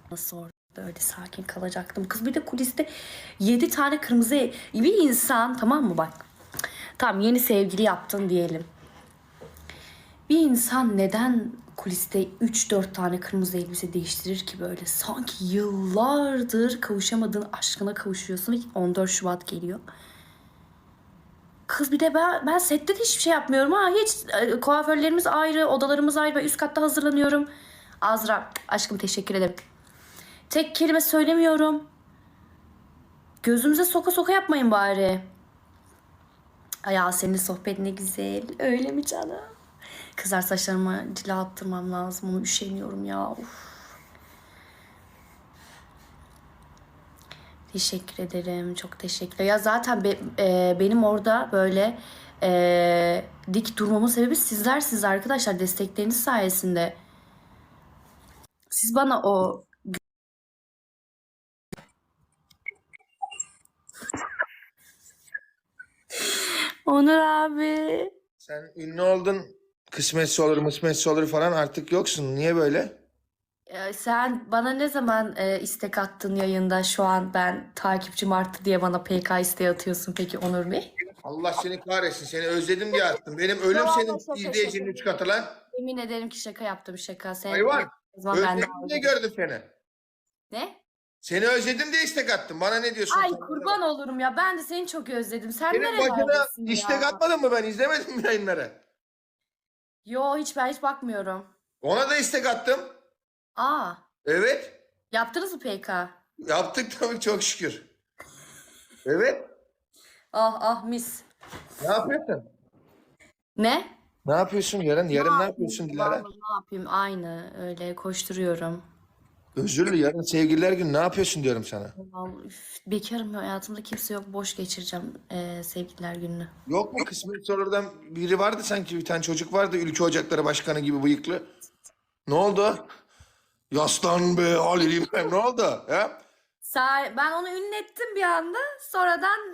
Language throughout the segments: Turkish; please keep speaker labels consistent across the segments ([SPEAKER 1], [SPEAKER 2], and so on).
[SPEAKER 1] Nasıl orada öyle sakin kalacaktım. Kız bir de kuliste 7 tane kırmızı bir insan, tamam mı bak. Tamam, yeni sevgili yaptın diyelim. Bir insan neden kuliste 3-4 tane kırmızı elbise değiştirir ki böyle? Sanki yıllardır kavuşamadığın aşkına kavuşuyorsun ve 14 Şubat geliyor. Kız bir de ben sette de hiçbir şey yapmıyorum ha. Hiç kuaförlerimiz ayrı, odalarımız ayrı. Ben üst katta hazırlanıyorum. Azra, aşkım teşekkür ederim. Tek kelime söylemiyorum. Gözümüze soka soka yapmayın bari. Ay ya, senin sohbet ne güzel. Öyle mi canım? Kızlar, saçlarıma cila attırmam lazım. Onu üşeniyorum ya. Uf. Teşekkür ederim. Çok teşekkürler. Ya zaten benim orada böyle dik durmamın sebebi sizlersiniz arkadaşlar. Destekleriniz sayesinde. Siz bana o... Onur abi.
[SPEAKER 2] Sen ünlü oldun. Kısmetse olur, mısmetse olur falan artık yoksun. Niye böyle?
[SPEAKER 1] Sen bana ne zaman istek attın yayında? Şu an ben takipçim arttı diye bana PK isteği atıyorsun peki Onur Bey?
[SPEAKER 2] Allah seni kahretsin. Seni özledim diye attım. Benim ölüm
[SPEAKER 1] Yok,
[SPEAKER 2] senin
[SPEAKER 1] şaka,
[SPEAKER 2] izleyicinin
[SPEAKER 1] şaka.
[SPEAKER 2] 3 katı lan.
[SPEAKER 1] Yemin ederim ki şaka yaptım, şaka. Sen
[SPEAKER 2] Hayvan.
[SPEAKER 1] o zaman ben de
[SPEAKER 2] Özledim diye gördüm seni.
[SPEAKER 1] Ne?
[SPEAKER 2] Seni özledim diye istek attım. Bana ne diyorsun?
[SPEAKER 1] Ay kurban olurum ya. Ben de seni çok özledim. Sen
[SPEAKER 2] Senin başına
[SPEAKER 1] nerelerdesin
[SPEAKER 2] istek
[SPEAKER 1] ya?
[SPEAKER 2] atmadın mı ben? İzlemedim mi yayınları?
[SPEAKER 1] Yo, ben hiç bakmıyorum.
[SPEAKER 2] Ona da istek attım.
[SPEAKER 1] Aa,
[SPEAKER 2] Evet.
[SPEAKER 1] yaptınız mı PK?
[SPEAKER 2] Yaptık tabii, çok şükür. Evet.
[SPEAKER 1] Ah ah, mis.
[SPEAKER 2] Ne yapıyorsun?
[SPEAKER 1] Ne?
[SPEAKER 2] Ne yapıyorsun yarın? Yarın ne yapıyorsun Dilara?
[SPEAKER 1] Vallahi ne yapayım? Aynı öyle koşturuyorum.
[SPEAKER 2] Özürlü, yarın sevgililer günü ne yapıyorsun diyorum sana.
[SPEAKER 1] Vallahi, bekarım ya, hayatımda kimse yok. Boş geçireceğim sevgililer gününü.
[SPEAKER 2] Yok mu kısmet sorulardan biri vardı sanki, bir tane çocuk vardı Ülke Ocakları Başkanı gibi bıyıklı. Ne oldu? Yaslan be Halil İbrahim, ne oldu? Ya?
[SPEAKER 1] Ben onu ünlettim bir anda. Sonradan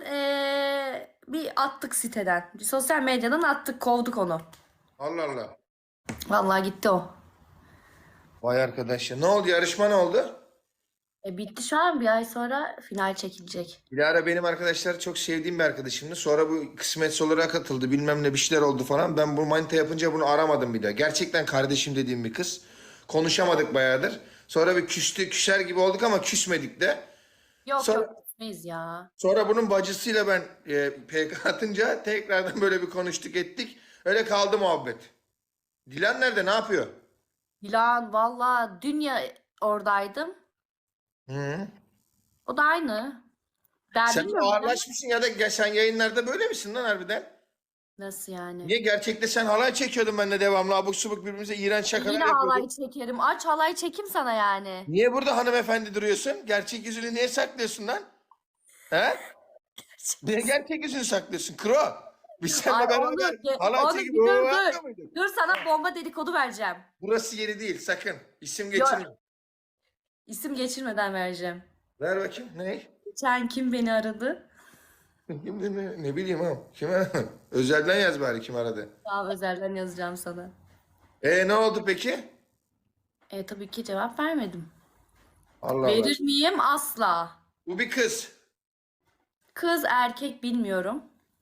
[SPEAKER 1] bir attık siteden. Sosyal medyadan attık, kovduk onu.
[SPEAKER 2] Allah Allah.
[SPEAKER 1] Vallahi gitti o.
[SPEAKER 2] Vay arkadaş ya. Ne oldu, yarışma ne oldu?
[SPEAKER 1] Bitti, şu an bir ay sonra final çekilecek.
[SPEAKER 2] Dilara benim arkadaşlar, çok sevdiğim bir arkadaşımdı. Sonra bu kısmet sorulara katıldı, bilmem ne bir şeyler oldu falan. Ben bu manita yapınca bunu aramadım bir daha. Gerçekten kardeşim dediğim bir kız. Konuşamadık bayağıdır. Sonra bir küser gibi olduk ama küsmedik de.
[SPEAKER 1] Yok
[SPEAKER 2] Sonra,
[SPEAKER 1] yok, gitmeyiz ya.
[SPEAKER 2] sonra bunun bacısıyla ben PK atınca tekrardan böyle bir konuştuk ettik. Öyle kaldı muhabbet. Dilan nerede, ne yapıyor?
[SPEAKER 1] Dilan valla oradaydım.
[SPEAKER 2] Hı.
[SPEAKER 1] O da aynı. Ben
[SPEAKER 2] Sen
[SPEAKER 1] bilmiyorum.
[SPEAKER 2] ağırlaşmışsın ya da sen yayınlarda böyle misin lan harbiden?
[SPEAKER 1] Nasıl yani?
[SPEAKER 2] Niye, gerçekte sen halay çekiyordun benimle devamlı, abuk subuk birbirimize iğrenç şakalar
[SPEAKER 1] Yine
[SPEAKER 2] yapıyorduk.
[SPEAKER 1] halay çekerim. Aç halay çekim sana yani.
[SPEAKER 2] Niye burada hanımefendi duruyorsun? Gerçek yüzünü niye saklıyorsun lan? He? Niye gerçek yüzünü saklıyorsun? Kro. Biz seninle
[SPEAKER 1] Ay
[SPEAKER 2] beraber halay
[SPEAKER 1] onu
[SPEAKER 2] çekip
[SPEAKER 1] bir dur
[SPEAKER 2] yapmıyor
[SPEAKER 1] dur.
[SPEAKER 2] muyduk?
[SPEAKER 1] Dur, sana bomba dedikodu vereceğim.
[SPEAKER 2] Burası yeri değil sakın. İsim
[SPEAKER 1] Yok,
[SPEAKER 2] geçirme.
[SPEAKER 1] isim geçirmeden vereceğim.
[SPEAKER 2] Ver bakayım. Ne?
[SPEAKER 1] Geçen kim beni aradı?
[SPEAKER 2] Kim, ne bileyim ha. Kim aradı? Özelden yaz bari kim aradı.
[SPEAKER 1] Tamam, özelden yazacağım sana.
[SPEAKER 2] Ne oldu peki?
[SPEAKER 1] Tabii ki cevap vermedim.
[SPEAKER 2] Allah Allah.
[SPEAKER 1] Verir miyim? Asla.
[SPEAKER 2] Bu bir kız.
[SPEAKER 1] Kız erkek bilmiyorum.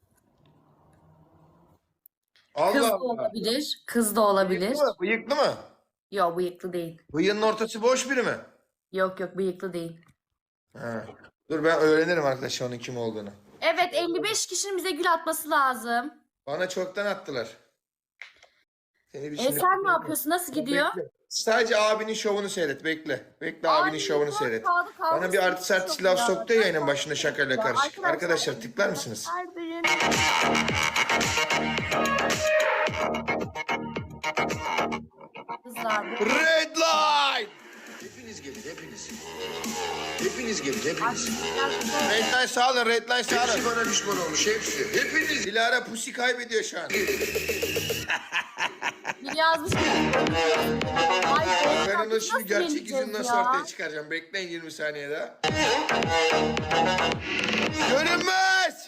[SPEAKER 1] Kız
[SPEAKER 2] Allah
[SPEAKER 1] da
[SPEAKER 2] Allah.
[SPEAKER 1] olabilir. Kız da olabilir.
[SPEAKER 2] Bıyıklı mı? Bıyıklı mı?
[SPEAKER 1] Yok, bıyıklı değil.
[SPEAKER 2] Bıyığının ortası boş biri mi?
[SPEAKER 1] Yok yok, bıyıklı değil.
[SPEAKER 2] Ha. Dur ben öğrenirim arkadaşlar onun kim olduğunu.
[SPEAKER 1] Evet, 55 kişinin bize gül atması lazım.
[SPEAKER 2] Bana çoktan attılar. Seni bir şimdi...
[SPEAKER 1] Sen ne yapıyorsun? Nasıl gidiyor?
[SPEAKER 2] Bekle. Sadece abinin şovunu seyret. Bekle. Bekle abinin
[SPEAKER 1] Ay,
[SPEAKER 2] şovunu
[SPEAKER 1] yok,
[SPEAKER 2] seyret.
[SPEAKER 1] kaldı,
[SPEAKER 2] Bana bir artist artist
[SPEAKER 1] çok
[SPEAKER 2] laf
[SPEAKER 1] ya.
[SPEAKER 2] soktu ya yayının başında şakayla
[SPEAKER 1] Ya,
[SPEAKER 2] karışık. Arkadaşlar tıklar mısınız?
[SPEAKER 1] Kızlar.
[SPEAKER 2] Red line!
[SPEAKER 3] Hepiniz gelin, hepiniz. Hepiniz gelin, hepiniz.
[SPEAKER 2] Red line sağ olun, red line sağ
[SPEAKER 3] Hepsi
[SPEAKER 2] olun.
[SPEAKER 3] bana düşman olmuş, hepsi. Hepiniz
[SPEAKER 2] Dilara pusi kaybediyor şu an.
[SPEAKER 1] Bir yazmış ki. Ay,
[SPEAKER 2] Ben onu
[SPEAKER 1] nasıl
[SPEAKER 2] şimdi gerçek
[SPEAKER 1] yeneceğiz
[SPEAKER 2] yüzünü nasıl
[SPEAKER 1] ya?
[SPEAKER 2] ortaya çıkaracağım. Bekleyin 20 saniye daha. Görünmez!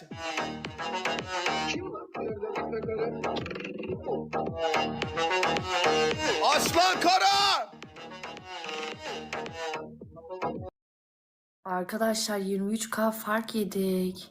[SPEAKER 2] Aslan Kara!
[SPEAKER 1] Arkadaşlar 23K fark yedik.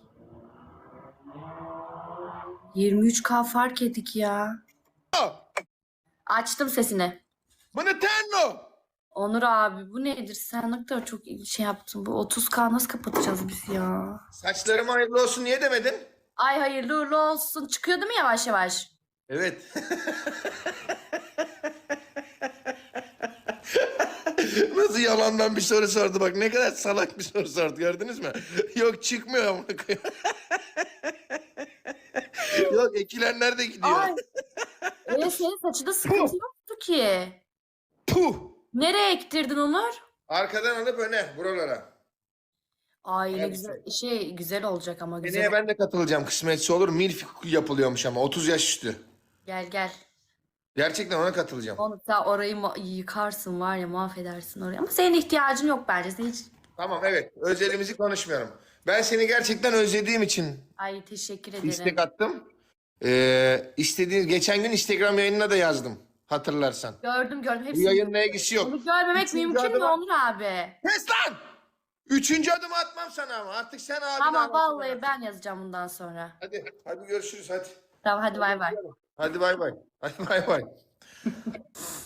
[SPEAKER 1] 23K fark yedik ya. Açtım sesini.
[SPEAKER 2] Bana tenno.
[SPEAKER 1] Onur abi bu nedir? Sen ne kadar çok şey yaptın. Bu 30K nasıl kapatacağız biz ya?
[SPEAKER 2] Saçlarım hayırlı olsun niye demedin?
[SPEAKER 1] Ay hayırlı uğurlu olsun. Çıkıyor değil mi yavaş yavaş?
[SPEAKER 2] Evet. Nasıl yalandan bir soru sordu bak ne kadar salak bir soru sordu gördünüz mü? Yok çıkmıyor amına koyayım. Yok ekilenler de gidiyor.
[SPEAKER 1] Ay. Senin saçında sıkıntı yoktu ki.
[SPEAKER 2] Puh.
[SPEAKER 1] Nereye ektirdin Onur?
[SPEAKER 2] Arkadan alıp öne buralara.
[SPEAKER 1] Ay ne
[SPEAKER 2] Evet.
[SPEAKER 1] güzel güzel olacak ama güzel.
[SPEAKER 2] Seneye ben de katılacağım kısmetse olur. Milf yapılıyormuş ama 30 yaş üstü.
[SPEAKER 1] Gel.
[SPEAKER 2] Gerçekten ona katılacağım.
[SPEAKER 1] Onu sen orayı yıkarsın var ya mahvedersin orayı. Ama senin ihtiyacın yok bence. Sen hiç...
[SPEAKER 2] Tamam evet özelimizi konuşmuyorum. Ben seni gerçekten özlediğim için
[SPEAKER 1] Ay teşekkür ederim.
[SPEAKER 2] istek attım. Geçen gün Instagram yayınına da yazdım. Hatırlarsan.
[SPEAKER 1] Gördüm
[SPEAKER 2] Bu
[SPEAKER 1] hepsini.
[SPEAKER 2] yayınla ilgisi yok.
[SPEAKER 1] Onu görmemek
[SPEAKER 2] Üçüncü
[SPEAKER 1] mümkün mü
[SPEAKER 2] adıma-
[SPEAKER 1] Onur abi?
[SPEAKER 2] Kes lan! Üçüncü adımı atmam sana ama. Artık sen abi
[SPEAKER 1] Ama vallahi ben yazacağım bundan sonra.
[SPEAKER 2] Hadi görüşürüz hadi.
[SPEAKER 1] Tamam hadi bay bay.
[SPEAKER 2] Hadi bay bay. Hadi bay bay.